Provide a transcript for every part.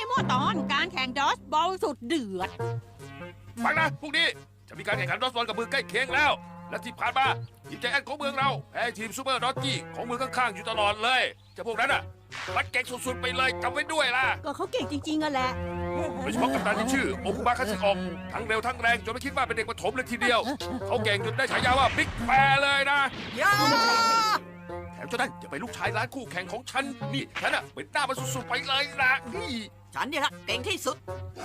โมตอนการแข่งดอสบอลสุดเดือดฟังนะพรุ่งนี้จะมีการแข่งขันดอสบอลกับเมืองใกล้เคียงแล้ว และที่ผ่านมาทีมใจแอนของเมืองเราแพ้ทีมซูเปอร์ดอทจี้ของเมืองข้างๆอยู่ตลอดเลยเจ้าพวกนั้นอ่ะมันเก่งสุดๆไปเลยจำไว้ด้วยล่ะก็เขาเก่งจริงๆอะแหละโดยเฉพาะกัปตันที่ชื่อโอคุบะคัตสึออกทั้งเร็วทั้งแรงจนไม่คิดว่าเป็นเด็กประถมเลยทีเดียวเขาเก่งจนได้ฉายาว่าบิ๊กแปรเลยนะย่าแถมเจ้านั่นจะเป็นลูกชายร้านคู่แข่งของฉันนี่ฉันอ่ะเป็นหน้ามันสุดๆไปเลยนะนี่ฉันเนี่ยละเก่งที่สุด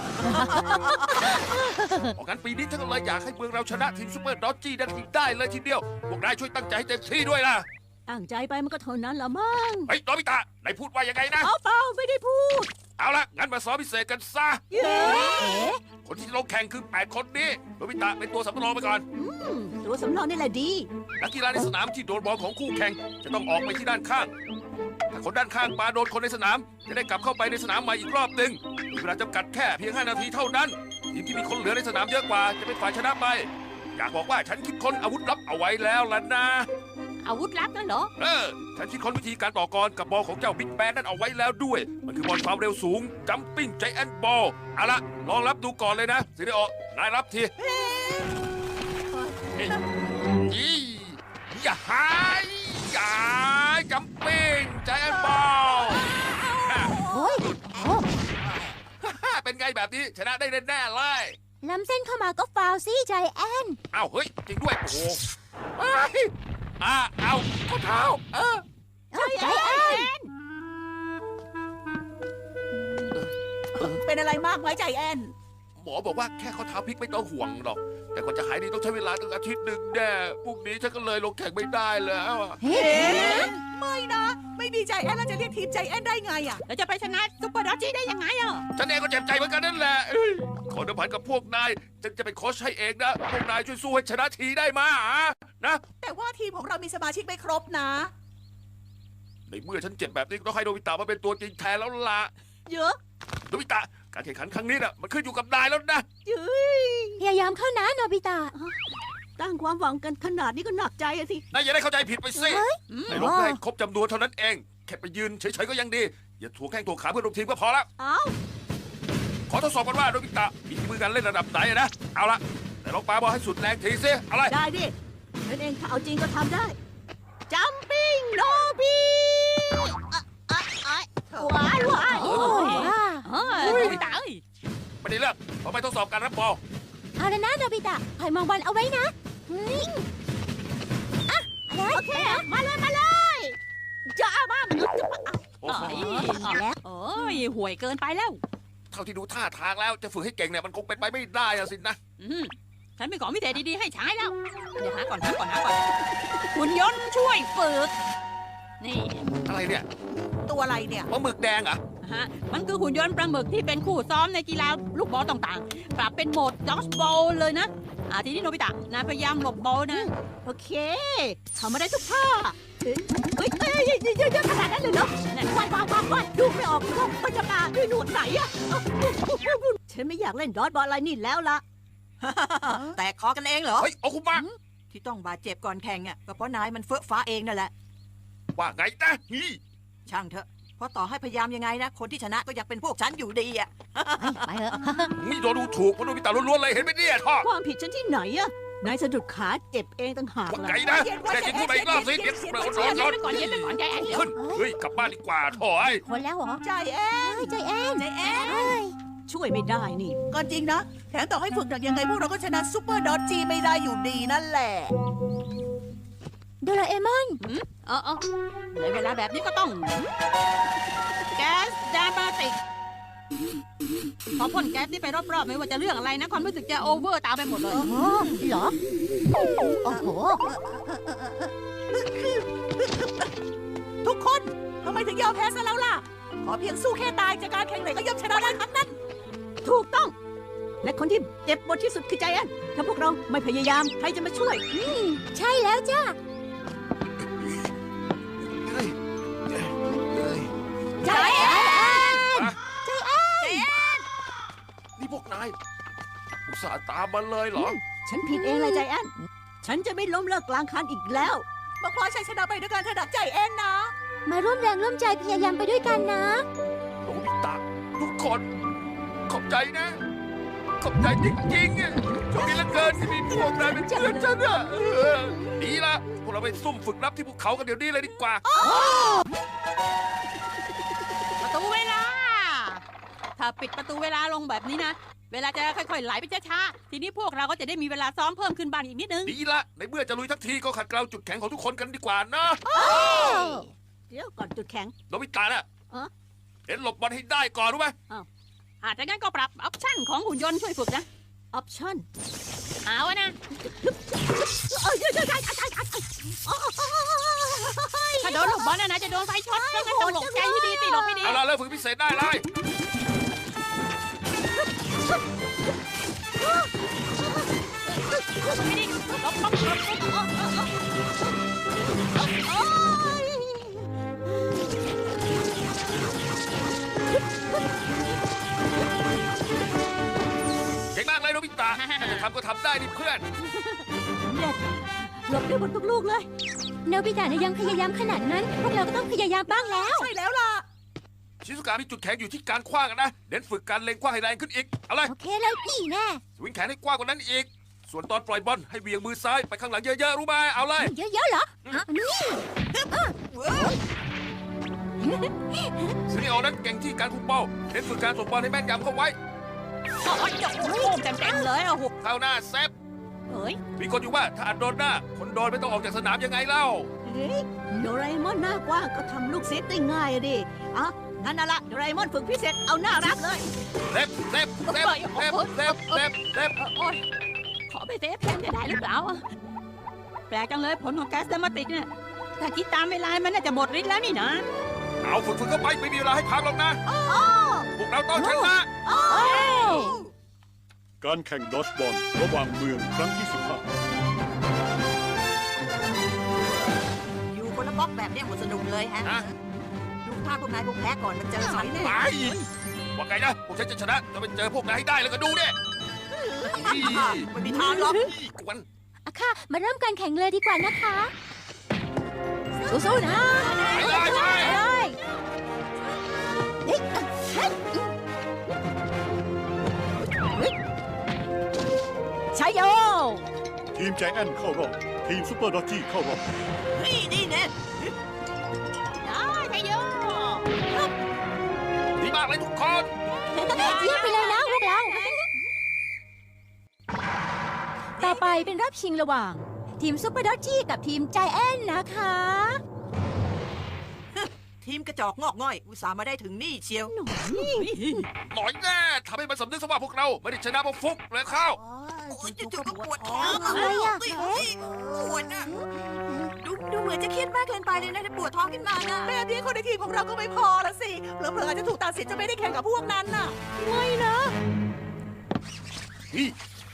เพราะงั้นปีนี้ฉันก็เลยอยากให้เมืองเราชนะทีมซูเปอร์ดอทจี้ได้เลยทีเดียวพวกนายช่วยตั้งใจให้เต็มที่ด้วยล่ะตั้งใจไปมันก็เท่านั้นละมั้งเฮ้ยโนบิตะนายพูดว่ายังไงนะเอาเปล่าไม่ได้พูดเอาละงั้นมาซ้อมพิเศษกันซะเย้คนที่ลงแข่งคือ8คนนี้โนบิตะเป็นตัวสำรองไปก่อนตัวสำรองนี่แหละดีนักกีฬาในสนามที่โดนบอลของคู่แข่งจะต้องออกไปที่ด้านข้างถ้าคนด้านข้างปาโดนคนในสนามจะได้กลับเข้าไปในสนามใหม่อีกรอบหนึ่งมีเวลาจำกัดแค่เพียง5 นาทีเท่านั้นทีมที่มีคนเหลือในสนามเยอะกว่าจะเป็นฝ่ายชนะไปอยากบอกว่าฉันคิดค้นอาวุธลับเอาไว้แล้วล่ะนะอาวุธลับนั่นเหรอฉันคิดค้นวิธีการต่อกรกับบอลของเจ้าบิ๊กแบนนั่นเอาไว้แล้วด้วย มันคือบอลความเร็วสูงจัมปิ้งใจแอนบอลเอาละลองรับดูก่อนเลยนะซิริโอนายรับทียี่อย่าหายอย่าจัมปิ้งใจแอนบอลโอ้ยโอ้เป็นไงแบบนี้ชนะได้แน่ๆเลยล้ำเส้นเข้ามาก็ฟาวซี่ใจแอนเอ้าเฮ้ยจริงด้วยโอ้โหเอาข้อเท้าใจแอนเป็นอะไรมากไหมใจแอนหมอบอกว่าแค่ข้อเท้าพลิกไม่ต้องห่วงหรอก แต่กว่าจะหายดีต้องใช้เวลาตั้งอาทิตย์หนึ่งแน่พรุ่งนี้ฉันก็เลยลงแข่งไม่ได้แล้วอะเฮ้ไม่นะ ไม่มีใจแอนแล้วจะเรียกทีมใจแอนได้ไงอะแล้วจะไปชนะซุปเปอร์ดอสจี้ได้ยังไงอ่ะฉันเองก็เจ็บใจเหมือนกันนั่นแหละเอ้ยขอเดิมพันกับพวกนายฉันจะเป็นโค้ชให้เองนะพวกนายช่วยสู้ให้ชนะทีได้มานะแต่ว่าทีมของเรามีสมาชิกไม่ครบนะในเมื่อฉันเจ็บแบบนี้ก็ต้องให้โนบิตะมาเป็นตัวจริงแทนแล้วล่ะเยอะโนบิตะการแข่งขันครั้งนี้น่ะมันขึ้นอยู่กับนายแล้วนะเย้ยพยายามเข้านะโนบิตะตั้งความหวังกันขนาดนี้ก็หนักใจอะสินายอย่าได้เข้าใจผิดไปสิอืมนายลงให้ครบจำนวนเท่านั้นเองแค่ไปยืนเฉยๆก็ยังดีอย่าถูแข้งถูขาเพื่อนร่วมทีมก็พอแล้วเอ้าขอทดสอบกันว่าโนบิตะมีฝีมือการเล่นระดับไหนนะ เอาละแต่ลองปาบอลให้สุดแรงทีสิอะไรได้ดิฉันเองถ้าเอาจริงก็ทำได้จัมปิ้งโนบีว้ายว้ายโอ้ว้าเฮ้ยโนบิตะเอ้ยไม่ได้เลือกเราไปทดสอบการรับบอลเอาละนะโนบิตะคอยมองบอลเอาไว้นะเฮ้ยอ่ะอะไรโอเค มาเลยมาเลยจะเอาบ้างโอ้โหแล้วโอ้ยห่วยเกินไปแล้วเท่าที่ดูท่าทางแล้วจะฝึกให้เก่งเนี่ยมันคงเป็นไปไม่ได้อะสินะฉันมีของพิเศษดีๆให้ใช้แล้ว เดี๋ยวหาก่อนหุ่นยนต์ช่วยฝึก นี่อะไรเนี่ยตัวอะไรเนี่ยปลาหมึกแดงเหรอ่ะฮะ มันคือหุ่นยนต์ปลาหมึกที่เป็นคู่ซ้อมในกีฬาลูกบอลต่างๆ ปรับเป็นโหมดดอสบอลเลยนะ ทีนี้โนบิตะนายพยายามหลบบอลนะโอเคทำมาได้ทุกท่าเฮ้ยเฮ้ยเยอะขนาดนั้นเลยเหรอว่ายดูไม่ออกว่ามันจะมาด้วยหนวดไหนอะฉันไม่อยากเล่นดอทบอลอะไรนี่แล้วล่ะแต่คอกันเองเหรอเฮ้ยโอคุมะที่ต้องบาดเจ็บก่อนแข่งอ่ะก็เพราะนายมันเฟ้อฟ้าเองนั่นแหละว่าไงนะนี่ช่างเถอะ เพราะต่อให้พยายามยังไงนะ คนที่ชนะก็ยังเป็นพวกฉันอยู่ดีอ่ะไปเถอะนี่โดนดูถูกเพราะโนบิตะล้วนๆเลยเห็นไหมเนี่ยท่อความผิดฉันที่ไหนอะนายสะดุดขาเจ็บเองต่างหากว่าล่ะไงนะแต่จริงพูดไปอีกรอบสิเดี๋ยวร้อนก่อนเย็นไปก่อนใจแอนเดี๋ยวขึ้นเฮ้ยกลับบ้านดีกว่าท่อไอ้คนแล้วเหรอใจแอนใจแอนใจแอนเอ้ยช่วยไม่ได้นี่ก็จริงนะ แถมต่อให้ฝึกหนักยังไงพวกเราก็ชนะซูเปอร์ดอทจีไม่ได้อยู่ดีนั่นแหละโดราเอมอนในเวลาแบบนี้ก็ต้อง แก๊สดามาติกพอพ่นแก๊สนี่ไปรอบๆไม่ว่าจะเรื่องอะไรนะ ความรู้สึกจะโอเวอร์ตามไปหมดเลยโอ้เหรอ โอ้โหทุกคนทำไมถึงยอมแพ้ซะแล้วล่ะ ขอเพียงสู้แค่ตายจากการแข่งไหนก็ย่อมชนะได้ทั้งนั้น ถูกต้อง และคนที่เจ็บปวดที่สุดคือใจแอนถ้าพวกเราไม่พยายามใครจะมาช่วยใช่แล้วจ้าเฮ้ยเฮ้ยใจแอนนี่พวกนายอุตส่าห์ตามมาเลยเหรอฉันผิดเองเลยใจแอนฉันจะไม่ล้มเลิกกลางคันอีกแล้วมาคว้าชัยชนะไปด้วยกันเถอะนะใจแอนนะมาร่วมแรงร่วมใจพยายามไปด้วยกันนะโนบิตะทุกคนคนขอบใจนะ ขอบใจจริงๆอะโชคดีเหลือเกินที่มีพวกนายเป็นเพื่อนฉันอะดีละพวกเราไปซุ่มฝึกรับที่ภูเขากันเดี๋ยวนี้เลยดีกว่าประตูเวลา ถ้าปิดประตูเวลาลงแบบนี้นะ เวลาจะค่อยๆไหลไปช้าๆ ทีนี้พวกเราก็จะได้มีเวลาซ้อมเพิ่มขึ้นบ้างอีกนิดนึงดีละในเมื่อจะลุยทั้งทีก็ขัดเกลาจุดแข็งของทุกคนกันดีกว่านะเดี๋ยวก่อนจุดแข็งโนบิตะน่ะเอ้อเห็นหลบบอลให้ได้ก่อนรู้ไหมอาจจะงั้นก็ปรับออปชั่นของหุ่นยนต์ช่วยฝึกนะออปชั่นเอาอะนะ ถ้าโดนลูกบอลนะจะโดนไฟช็อตเพราะงั้นต้องหลบใจให้ดีสิหลบให้ดีเอาล่ะเริ่มฝึกพิเศษได้เลยไม่ดีหลบหลบหลบเก่งมากเลยโนบิตะถ้าจะทำก็ทำได้ดิเพื่อนหลบได้หมดทุกลูกเลยโนบิตะเนี่ยยังพยายามขนาดนั้น พวกเราก็ต้องพยายามบ้างแล้วใช่แล้วล่ะชิซุกะมีจุดแข็งอยู่ที่การคว้างอะนะเน้นฝึกการเล็งคว้างให้แรงขึ้นอีกเอาเลยโอเคแล้วนี่แน่สวิงแขนให้กว้างกว่านั้นอีก ส่วนตอนปล่อยบอลให้เบี่ยงมือซ้ายไปข้างหลังเยอะๆรู้ไหมเอาเลยเยอะๆเหรอนี่ซินิโอนั้นเก่งที่การคุมบอลเน้นฝึกการส่งบอลให้แม่นยำเข้าไว้โอ้ยโอ้โหเต็มๆเลยอ่ะหุบเข้าหน้าเซฟเฮ้ยมีคนอยู่ว่าถ้าอัดโดนหน้า คนโดนไม่ต้องออกจากสนามยังไงเล่าเฮ้ยโดราเอมอนหน้ากว้างก็ทำลูกเซฟได้ง่ายอะดิอ่ะงั้นน่ะละโดราเอมอนฝึกพิเศษเอาหน้ารักเลยเซฟเซฟเซฟเซฟเซฟเซฟเซฟโอ้ยขอไปเซฟแทนจะได้หรือเปล่าอะแปลกจังเลยผลของแก๊สเดอร์มาติกเนี่ยถ้าคิดตามเวลามันน่าจะหมดฤทธิ์แล้วนี่นะเอาฝึกเข้าไปไม่มีเวลาให้พักหรอกนะพวกเราต้องชนะการแข่งดอชบอลระหว่างเมืองครั้งที่อยู่คนละบล็อกแบบเนี้ยหมดสนุกเลยฮะฮะดูท่าพวกนายพวกแพ้ก่อนมันเจอฉันแน่ไปว่าไงนะพวกฉันจะชนะจะไปเจอพวกนายให้ได้แล้วก็ดูเนี่ยไม่มีทางหรอกกวนอะค่ะ มาเริ่มการแข่งเลยดีกว่านะคะ สู้ๆนะไปเลยไปเลยเฮ้ยเฮ้ยใช้โย 10 ทีมใจแอนเข้ารอบ ทีมซูเปอร์ดอจจี้เข้ารอบนี่แน่ได้ไทโยดีมากเลยทุกคนเยี่ยมไปเลยนะพวกเรา ต่อไปเป็นรอบชิงระหว่าง ทีมซุปเปอร์ดอจจี้กับทีมใจแอนนะคะทีมกระจอกงอกง่อย อุตส่าห์มาได้ถึงนี่เชียวหน่อยแน่ทำให้มันสำนึกซะว่าพวกเราไม่ได้ชนะเพราะฟุกเลยเข้าโอ้ยจู่ๆก็ปวดท้องอะไรอะปวดนะดูเหมือนจะเครียดมากเกินไปเลยนะปวดท้องขึ้นมานะแบบนี้คนในทีมของเราก็ไม่พอละสิเผลอๆอาจจะถูกตัดสินจะไม่ได้แข่งกับพวกนั้นน่ะไม่นะนี่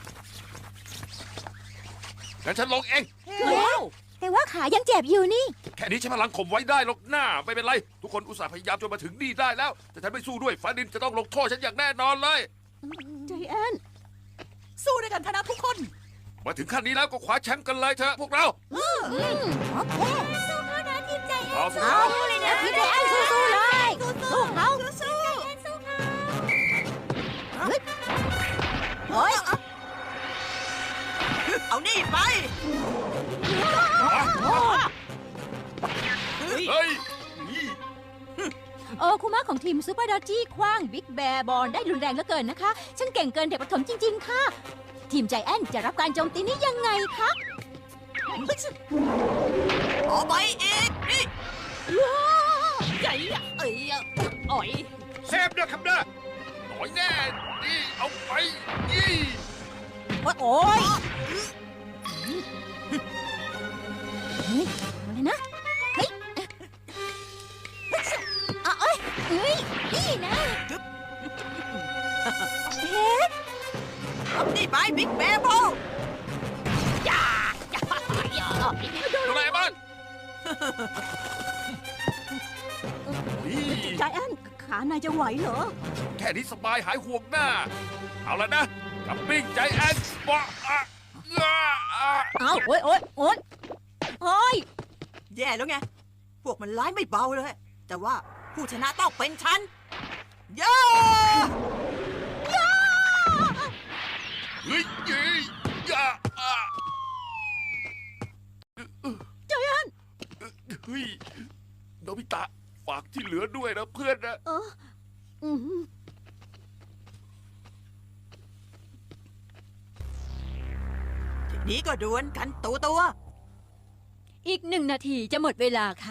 งั้นฉันลงเองแต่ว่าขายังเจ็บอยู่นี่แค่นี้ใช้พลังข่มไว้ได้หรอกหน้าไม่เป็นไร ทุกคนอุตส่าห์พยายามจนมาถึงนี่ได้แล้ว แต่ฉันไม่สู้ด้วยฟาดินจะต้องลงโทษฉันอย่างแน่นอนเลยใจแอนสู้ด้วยกันชนะทุกคนมาถึงขั้นนี้แล้วก็คว้าแชมป์กันเลยเถอะพวกเราโอเค สู้เขานะทีมใจแอนเอาสิเอาเลยนะทีมใจแอนสู้ๆเลยสู้เขาโอ้ยเอานี่ไปเฮ้ยโอ้คุมะของทีมซูเปอร์ดอจจี้คว้างบิ๊กแบร์บอลได้รุนแรงเหลือเกินนะคะ ฉันเก่งเกินเด็กประถมจริง ๆ ค่ะ ทีมใจแอนจะรับการโจมตีนี้ยังไงคะเอาไปอีกนี่ใหญ่อะเอ้ยอะอ่อยเซฟด้วยครับเด้อหน่อยแน่นี่เอาไปยี่โอ้ยเอาเลยนะ เฮ้ยเอาเอ้ยเฮ้ย นี่นะเฮ้ยเอานี่ไปบิ๊กแบร์บอลโดราเอมอนนี่ใจแอนขานายจะไหวเหรอแค่นี้สบายหายห่วงหน้า เอาละนะกับปิ้งใจแอนบะอะอะเอาโอ้ยโอ้ยโอ้ยโอ้ยแย่แล้วไง พวกมันร้ายไม่เบาเลย แต่ว่าผู้ชนะต้องเป็นฉัน เย้ที่เหลือด้วยนะเพื่อนนะอืมทีนี้ก็ดวลกันตัวอีก1 นาทีจะหมดเวลาค่ะ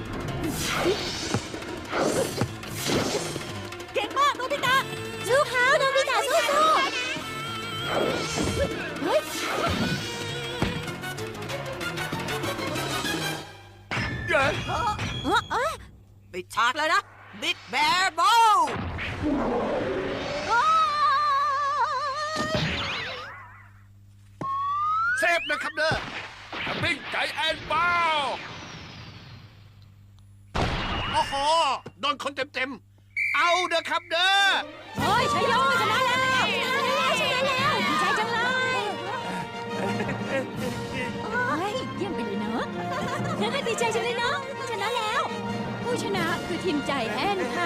เก่งมากโนบิตะสู้เขาโนบิตะสู้เย้ๆปิดฉากเลยนะ Big Bear b o w เซฟนะครับเด้อบิ๊กใจแอนเบ้าโอ้โห โดนคนเต็มๆ เอาเด้อครับเด้อเฮ้ยชัยโยชนะแล้วชนะแล้วดีใจจังเลยเฮ้ยเยี่ยมไปเลยเนาะดีใจจังเลยเนาะชนะแล้ว ผู้ชนะคือทีมใจแอนค่ะ